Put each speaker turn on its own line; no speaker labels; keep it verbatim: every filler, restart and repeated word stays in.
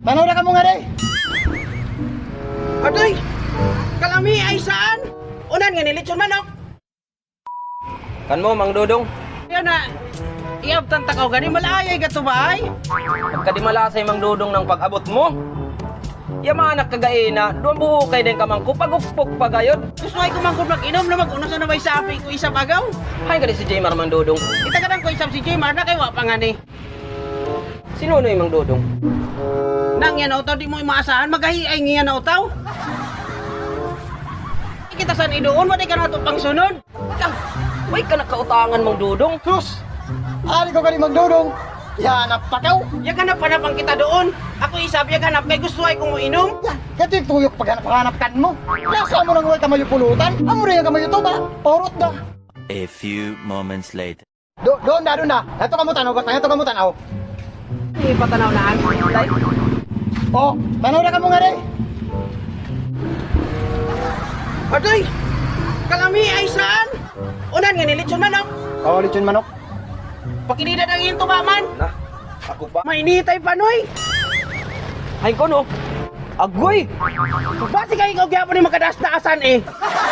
Tanaw na ka mo nga day.
Adoy! Kalami ay saan? Unan nga nilitsyon manok.
Kan mo, Mang Dudong?
Yan na. Iabtan takaw gani malayay ka to ba ay?
Pagkadimalasay, Mang Dudong, ng pag-abot mo. Yamanak kagaina, doon buhukay din kamang ko, pagukpok pa gayon.
Gusto ay kumangkot mag-inom na mag-una sa nabay sapi ko isa bagaw.
Hay ka si Jaymar, Mang Dudong.
Itagadan ko isang si Jmar na kay wa pa nga ni.
Sino no yung Mang Dudong?
Nang yan utaw di mo imaasahan magahiay nga na utaw. Kita san idoon mo di ka na ito pang sunod.
Lang, may ka nakautangan, Mang Dudong.
Sus! Ari ko ka ni magdudong. Yan, napakaw.
Yang hanap hanapang kita doon. Ako isabi yang hanap kay gusto ay kung inom.
Yan, kati tuyok paghanap-hanap kan mo. Nasa mo nang huwag kamayo pulutan. Amo rin kamayo to ba? Paurot da.
A few moments later.
Do, doon na, doon na. Ito ka mo tanaw, basta ito ka mo tanaw.
Di patanaw na ang lay.
Oh, tanaw na ka mo nga day.
Adoy! Kalami ay saan? Unan nga nilitsyon manok.
Oh, lechon manok.
Pakinida ng iyong tumaman.
Na, ako ba?
Mainitay panoy.
Hay ko no. Agoy!
Basi kayo ikaw gyapon ni makadaas na asan eh.